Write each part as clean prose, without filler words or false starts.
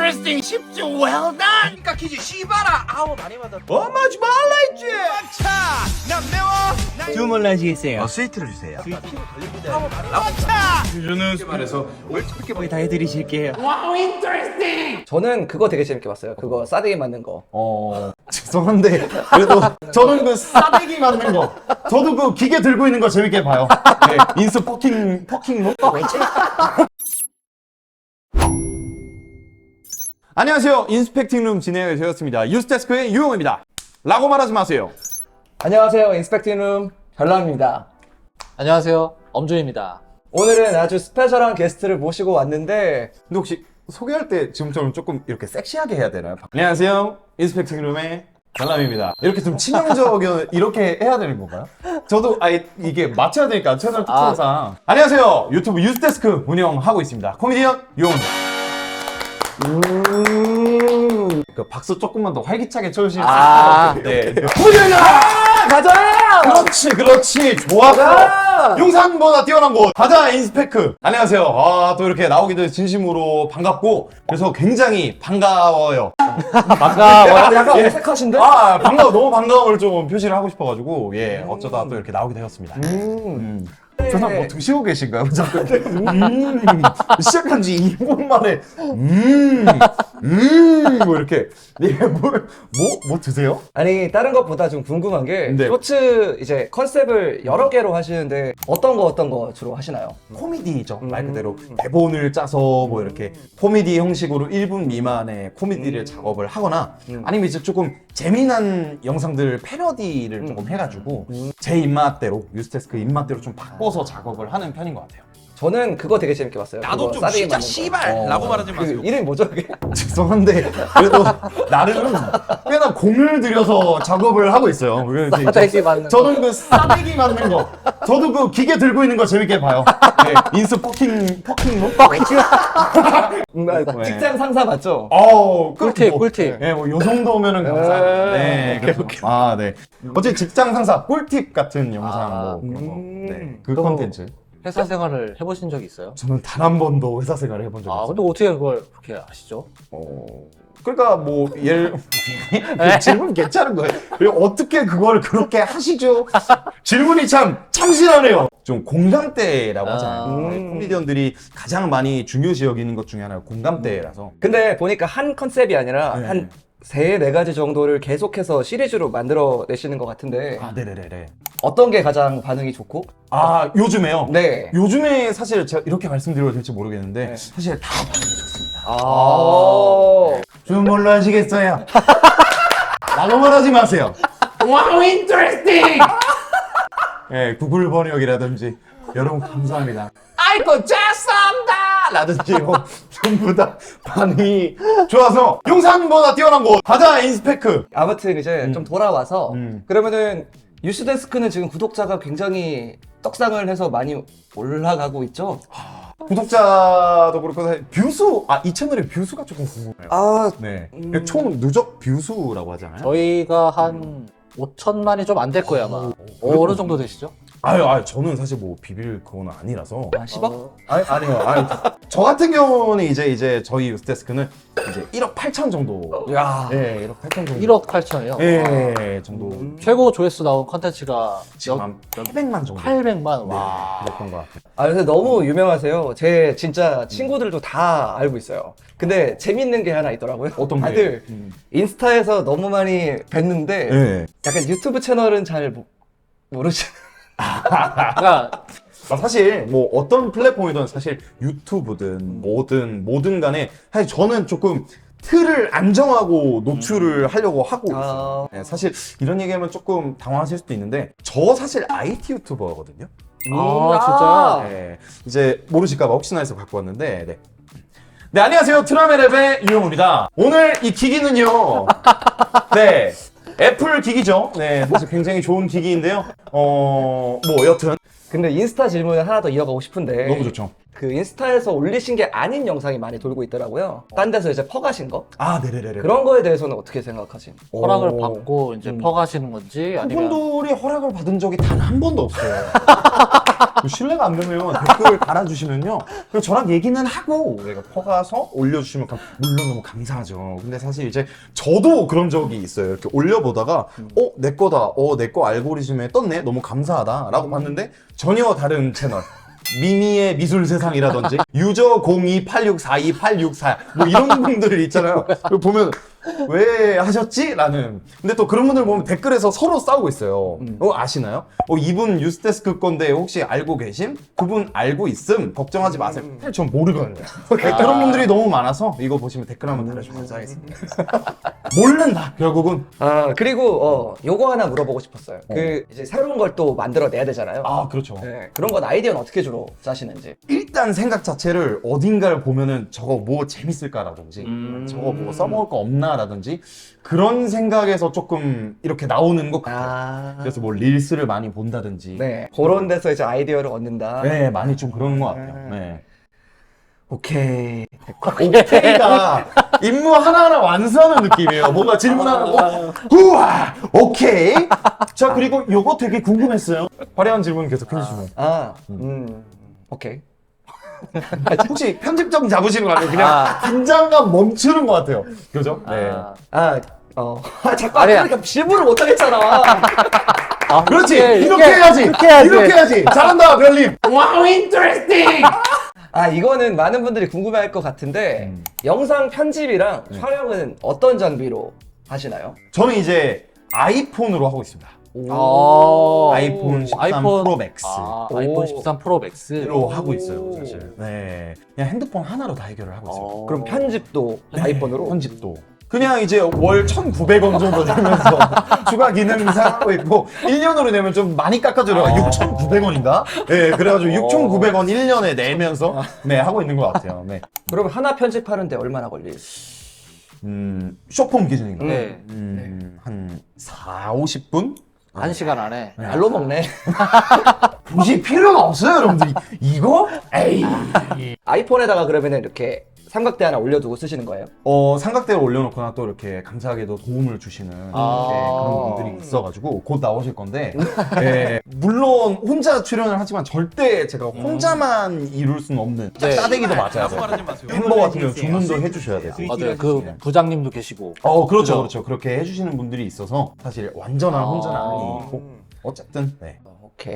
interesting. 집중 well done. 그러니까 기지 씨발아. 아우 많이 받아. 엄마지 말라 했지. 차. 난 매워. 주문하시겠어요? 스위트를 주세요. 저는 말해서 거의 다 해드리실게요. Wow, interesting. 저는 그거 되게 재밌게 봤어요. 그거 싸대기 맞는 거. 죄송한데 그래도 저는 그 싸대기 맞는 거 저도 그 기계 들고 있는 거 재밌게 봐요. 네, 인스 퍼킹 로 안녕하세요. 인스펙팅룸 진행을 되었습니다. 유스데스크의 유용입니다. 라고 말하지 마세요. 안녕하세요. 인스펙팅룸 별남입니다. 안녕하세요. 엄준입니다. 오늘은 아주 스페셜한 게스트를 모시고 왔는데 근데 혹시 소개할 때 지금처럼 조금 이렇게 섹시하게 해야 되나요? 안녕하세요. 인스펙팅룸의 별남입니다. 이렇게 좀 치명적인 이렇게 해야 되는 건가요? 저도 아예 이게 맞춰야 되니까 채널 특성상 안녕하세요. 유튜브 유스데스크 운영하고 있습니다. 코미디언 유용입니다. 그 박수 조금만 더 활기차게 쳐주시면 네. 가자! 그렇지 좋았어. 용산보다 뛰어난 곳 가자 인스펙크. 안녕하세요. 또 이렇게 나오기도 진심으로 반갑고 그래서 굉장히 반가워요. 약간 어색하신데? 반가워. 너무 반가움을 좀 표시를 하고 싶어가지고 예 어쩌다 또 이렇게 나오게 되었습니다. 저는 뭐 드시고 계신가요? 자꾸 시작한 지 2분 만에 뭐 이렇게 뭐 드세요? 아니 다른 것보다 좀 궁금한 게 네. 쇼츠 이제 컨셉을 여러 개로 하시는데 어떤 거 주로 하시나요? 코미디죠. 말 그대로 대본을 짜서 뭐 이렇게 코미디 형식으로 1분 미만의 코미디를 작업을 하거나 아니면 이제 조금 재미난 영상들 패러디를 조금 해가지고 제 입맛대로 유스데스크 입맛대로 좀 바꿔서 작업을 하는 편인 것 같아요. 저는 그거 되게 재밌게 봤어요. 나도 그거 좀 싸대기 진짜 맞는 거. 씨발라고 말하지 그 마세요. 이름이 뭐죠 그게? 죄송한데 그래도 나름 꽤나 공을 들여서 작업을 하고 있어요. 그래서 싸대기 맞는 거. 저는 그 싸대기 맞는 거 저도 그 기계 들고 있는 거 재밌게 봐요. 네, 인스 퍼킹 네. 직장 상사 맞죠? 꿀팁, 꿀팁. 네, 뭐 요 정도면은 감사합니다. 네, 그래서, 네. 어제 직장 상사 꿀팁 같은 영상 뭐 그런 거. 네, 그 그럼- 컨텐츠. 회사 생활을 해보신 적이 있어요? 저는 단 한 번도 회사 생활을 해본 적이 없어요. 근데 어떻게 그걸 그렇게 아시죠? 그러니까 뭐 질문 괜찮은 거예요. 그리고 어떻게 그걸 그렇게 하시죠? 질문이 참 참신하네요. 좀 공감대라고 하잖아요. 코미디언들이 가장 많이 중요시 여기는 것 중에 하나가 공감대라서. 근데 보니까 한 컨셉이 아니라 네. 한 3-4가지 정도를 계속해서 시리즈로 만들어 내시는 것 같은데 네네네. 어떤 게 가장 반응이 좋고? 요즘에요? 네. 요즘에 사실 제가 이렇게 말씀드려도 될지 모르겠는데 네. 사실 다 반응이 좋습니다. 좀 뭘로 하시겠어요? 라고 말하지 마세요. Wow, interesting. 네, 구글 번역이라든지 여러분 감사합니다. 아이고 죄송합니다 라든지 뭐 전부 다 반응이 좋아서 용산보다 뛰어난 곳 가자 인스펙크. 아무튼 이제 좀 돌아와서 그러면은 유스데스크는 지금 구독자가 굉장히 떡상을 해서 많이 올라가고 있죠? 구독자도 그렇고 사실 뷰수 이 채널의 뷰수가 조금 궁금해요. 네, 총 누적 뷰수라고 하잖아요. 저희가 한 5천만이 좀 안 될 거예요 아마. 어느 정도 되시죠? 저는 사실 뭐 비빌 그건 아니라서. 10억? 아니요. 저 같은 경우는 이제 저희 유스데스크는 이제 1억 8천 정도. 야. 네, 1억 8천 정도. 1억 8천이요? 네, 정도. 최고 조회수 나온 컨텐츠가 지금 한 800만 정도. 800만. 와. 그랬던 것 같아요. 근데 너무 유명하세요. 제 진짜 친구들도 다 알고 있어요. 근데 재밌는 게 하나 있더라고요. 어떤 게? 다들 인스타에서 너무 많이 뵀는데 네. 약간 유튜브 채널은 잘 모르시. 그러니까 사실 뭐 어떤 플랫폼이든 사실 유튜브든 뭐든 간에 사실 저는 조금 틀을 안 정하고 노출을 하려고 하고 있어요. 네, 사실 이런 얘기하면 조금 당황하실 수도 있는데 저 사실 IT 유튜버거든요. 진짜? 네, 이제 모르실까봐 혹시나 해서 갖고 왔는데 네, 안녕하세요. 트라메랩의 유용입니다. 오늘 이 기기는요. 네, 애플 기기죠. 네, 사실 굉장히 좋은 기기인데요. 뭐 여튼 근데 인스타 질문을 하나 더 이어가고 싶은데 너무 좋죠. 그 인스타에서 올리신 게 아닌 영상이 많이 돌고 있더라고요. 딴 데서 이제 퍼가신 거? 아, 네네네. 그런 거에 대해서는 어떻게 생각하지? 허락을 받고 이제 퍼가시는 건지 아니면 그분들이 허락을 받은 적이 단 한 번도 없어요. 신뢰가 안 되면 댓글 달아주시면요. 그리고 저랑 얘기는 하고 내가 퍼가서 올려주시면 물론 너무 감사하죠. 근데 사실 이제 저도 그런 적이 있어요. 이렇게 올려보다가 내 거다. 내 거 알고리즘에 떴네. 너무 감사하다. 라고 봤는데 전혀 다른 채널. 미미의 미술 세상이라든지 유저 0286428644 뭐 이런 분들 있잖아요. 그거 보면 왜 하셨지? 라는. 근데 또 그런 분들 보면 댓글에서 서로 싸우고 있어요. 아시나요? 이분 뉴스데스크 건데 혹시 알고 계심? 그분 알고 있음? 걱정하지 마세요. 사실 전 모르거든요. 그런 분들이 너무 많아서 이거 보시면 댓글 한번 달아주시면 감사하겠습니다. 모른다 결국은. 그리고 요거 하나 물어보고 싶었어요. 그 이제 새로운 걸 또 만들어내야 되잖아요. 아 그렇죠. 네, 그런 건 아이디어는 어떻게 주로 짜시는지? 일단 생각 자체를 어딘가를 보면은 저거 뭐 재밌을까라든지 저거 뭐 써먹을 거 없나라든지 그런 생각에서 조금 이렇게 나오는 것 같아요. 그래서 뭐 릴스를 많이 본다든지 네, 그런 데서 이제 아이디어를 얻는다. 네, 많이 좀 그런 것 같아요. 네. 오케이. 오케이가 임무 하나하나 완수하는 느낌이에요. 뭔가 질문하는 거 우와 오케이. 자 그리고 요거 되게 궁금했어요. 화려한 질문 계속 해주시면 오케이. 혹시 편집점 잡으시는 거 아니에요? 그냥 긴장감 멈추는 것 같아요. 그죠? 네. 자꾸 그러니까 질문을 못 하겠잖아. 그렇지. 이렇게, 이렇게 해야지. 이렇게 해야지. 이렇게 해야지. 잘한다 별님. Wow, interesting! 이거는 많은 분들이 궁금해할 것 같은데 영상 편집이랑 촬영은 어떤 장비로 하시나요? 저는 이제 아이폰으로 하고 있습니다. 아이폰 13 프로 맥스. 아이폰 13 프로 맥스. 로 하고 있어요, 사실. 네. 그냥 핸드폰 하나로 다 해결을 하고 있어요. 그럼 편집도 아이폰으로? 편집도. 그냥 이제 월 1,900원 정도 내면서 추가 기능 사고 있고 1년으로 내면 좀 많이 깎아줘요. 6,900원인가? 네, 그래가지고 6,900원 1년에 내면서 네, 하고 있는 것 같아요. 네. 그럼 하나 편집하는데 얼마나 걸리지? 쇼폼 기준인가요? 네. 한 4, 50분? 1시간 안에. 날로 먹네. 굳이 필요가 없어요, 여러분들. 이거? 에이. 아이폰에다가 그러면 이렇게 삼각대 하나 올려두고 쓰시는 거예요? 삼각대를 올려놓거나 또 이렇게 감사하게도 도움을 주시는 그런 분들이 있어가지고 곧 나오실 건데 네, 물론 혼자 출연을 하지만 절대 제가 혼자만 이룰 수는 없는 네. 싸대기도 맞아야 라고 돼요. 말하지 마세요. 햄버거 같은 경우 주문도 해주셔야 돼요. 맞아요. 그 부장님도 계시고. 그렇죠, 그렇죠. 그렇게 해주시는 분들이 있어서 사실 완전한 혼자는 아니고 어쨌든 네. 오케이.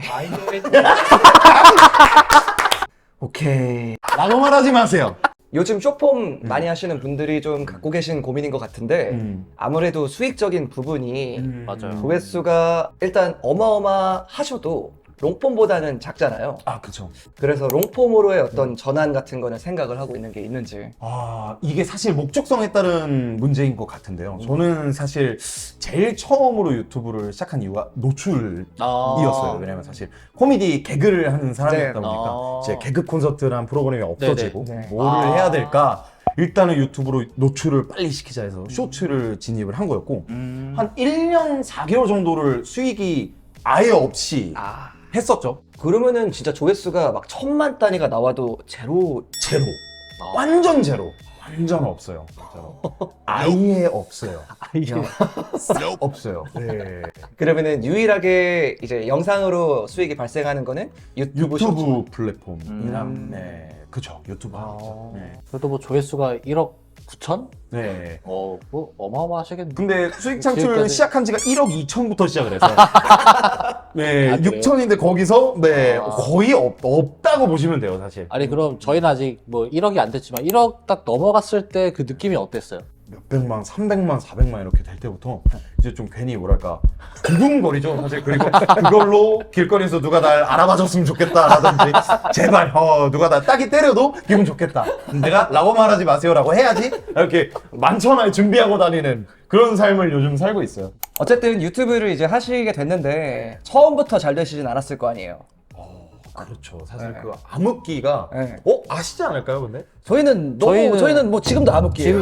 오케이. 라고 말하지 마세요. 요즘 쇼폼 많이 하시는 분들이 좀 갖고 계신 고민인 것 같은데 아무래도 수익적인 부분이 맞아요. 조회수가 일단 어마어마하셔도 롱폼보다는 작잖아요. 그렇죠. 그래서 롱폼으로의 어떤 전환 같은 거는 생각을 하고 있는 게 있는지. 이게 사실 목적성에 따른 문제인 것 같은데요. 저는 사실 제일 처음으로 유튜브를 시작한 이유가 노출이었어요. 왜냐면 사실 코미디 개그를 하는 사람이었다 보니까 이제 개그 콘서트라는 프로그램이 없어지고 뭐를 해야 될까? 일단은 유튜브로 노출을 빨리 시키자 해서 쇼츠를 진입을 한 거였고 한 1년 4개월 정도를 수익이 아예 없이 했었죠. 그러면은 진짜 조회수가 막 1000만 단위가 나와도 제로. 완전 제로. 완전 없어요. 진짜로. 아예 없어요. 없어요. 네. 그러면은 유일하게 이제 영상으로 수익이 발생하는 거는 유튜브 쇼츠. 플랫폼이랑 그쵸. 유튜브 하죠. 네. 그래도 뭐 조회수가 1억 9천? 네. 뭐 어마어마하시겠네. 근데 수익 창출 지금까지- 시작한 지가 1억 2천부터 시작을 해서 네, 그래요? 6천인데 거기서 거의 없다고 보시면 돼요, 사실. 아니 그럼 저희는 아직 뭐 1억이 안 됐지만 1억 딱 넘어갔을 때 그 느낌이 어땠어요? 몇백만, 300만, 400만 이렇게 될 때부터 이제 좀 괜히 뭐랄까 두근거리죠 사실. 그리고 그걸로 길거리에서 누가 날 알아봐줬으면 좋겠다라든지 제발 누가 나 딱이 때려도 기분 좋겠다. 내가 라고 말하지 마세요라고 해야지 이렇게 만천하에 준비하고 다니는 그런 삶을 요즘 살고 있어요. 어쨌든 유튜브를 이제 하시게 됐는데 처음부터 잘 되시진 않았을 거 아니에요. 그렇죠. 사실 그 암흑기가 아시지 않을까요, 근데? 저희는 뭐 지금도 암흑기예요.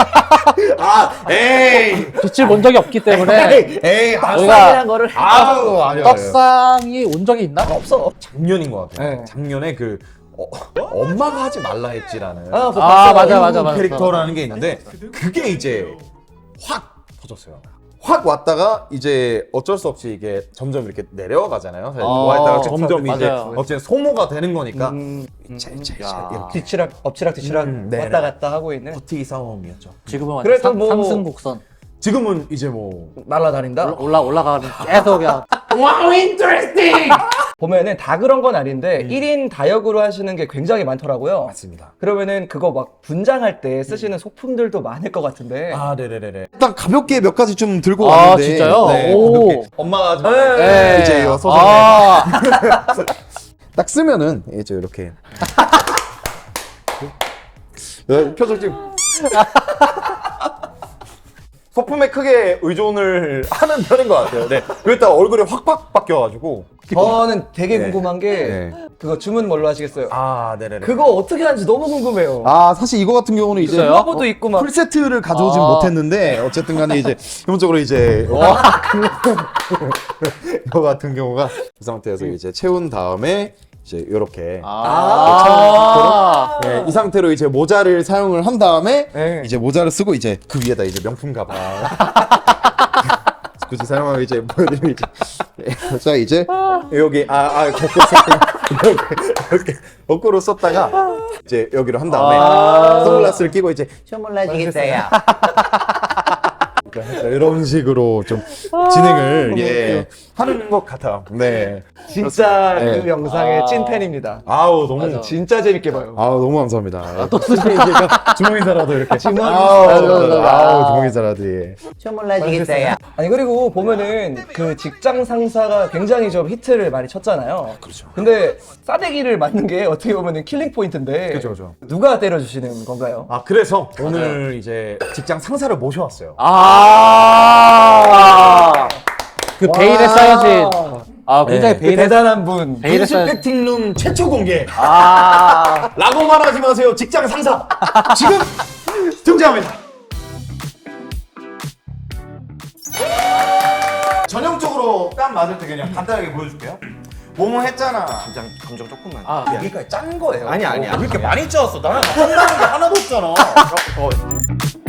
에이, 빛을 본 적이 없기 때문에 에이, 저희가 거를 아니요. 떡상이 온 적이 있나? 없어. 작년인 것 같아요. 네. 작년에 그 엄마가 하지 말라 했지라는 아, 맞아. 캐릭터라는 게 있는데 그게 이제 확 터졌어요. 확 왔다가 이제 어쩔 수 없이 이게 점점 이렇게 내려가잖아요. 사실 좋아했다가 점점 이제 맞아요. 어쨌든 소모가 되는 거니까 야. 뒤치락 엎치락 뒤치락 네. 왔다 갔다 하고 있는. 버티기 싸움이었죠. 지금은 완전 그래도 뭐- 상승곡선 지금은 이제 뭐 날아다닌다. 올라가는 계속 그냥 Wow, interesting! 보면은 다 그런 건 아닌데 1인 다역으로 하시는 게 굉장히 많더라고요. 맞습니다. 그러면은 그거 막 분장할 때 쓰시는 소품들도 많을 것 같은데. 아, 네네네. 일단 가볍게 몇 가지 좀 들고 아, 왔는데. 진짜요? 네, 오. 가볍게. 엄마가 좀 네. 이제 요 소설 딱 쓰면은 이제 이렇게 표정 지금 소품에 크게 의존을 하는 편인 것 같아요. 네. 그랬다가 얼굴이 확 바뀌어가지고. 저는 되게 네. 궁금한 게 네. 그거 주문 뭘로 하시겠어요? 아, 네네네. 그거 어떻게 하는지 너무 궁금해요. 아, 사실 이거 같은 경우는 이제 있어요? 러버도 있고 막. 풀세트를 가져오진 아. 못했는데 어쨌든 간에 이제 기본적으로 이제 이거 같은 경우가 그 상태에서 이제 채운 다음에 이제 이렇게 네, 이 상태로 이제 모자를 사용을 한 다음에 네. 이제 모자를 쓰고 이제 그 위에다 이제 명품 가방 굳이 사용하고 이제 보여드리면 이제 자 이제 여기 거꾸로 썼다가 이렇게 거꾸로 썼다가 이제 여기로 한 다음에 선글라스를 끼고 이제 주물러지겠어요. 이런 식으로 좀 진행을 하는 것 같아요. 네. 진짜 네. 그 영상의 찐팬입니다. 아우 너무 진짜 재밌게 봐요. 아우 너무 감사합니다. 또 주먹 인사라도 이렇게 주먹 아우 주먹 인사라도 예. 주물러지겠어요. 아니 그리고 보면은 그 직장 상사가 굉장히 좀 히트를 많이 쳤잖아요. 그렇죠. 근데 싸대기를 맞는 게 어떻게 보면은 killing 포인트인데 그죠. 누가 때려주시는 건가요? 아 그래서 오늘 이제 직장 상사를 모셔왔어요. 그 베일에 쌓여진 굉장히 네. 그 베일에 대단한 분. 베일에 쌓여진 인스펙팅룸 최초 공개. 라고 말하지 마세요. 직장 상사 지금 등장합니다. 전형적으로 땀 맞을 때 그냥 간단하게 보여줄게요. 뭐뭐 했잖아. 감정 조금만. 여기까지 짠 거예요. 아니야. 왜 이렇게 많이 짜왔어? 나는 짠다는 게 하나도 없잖아.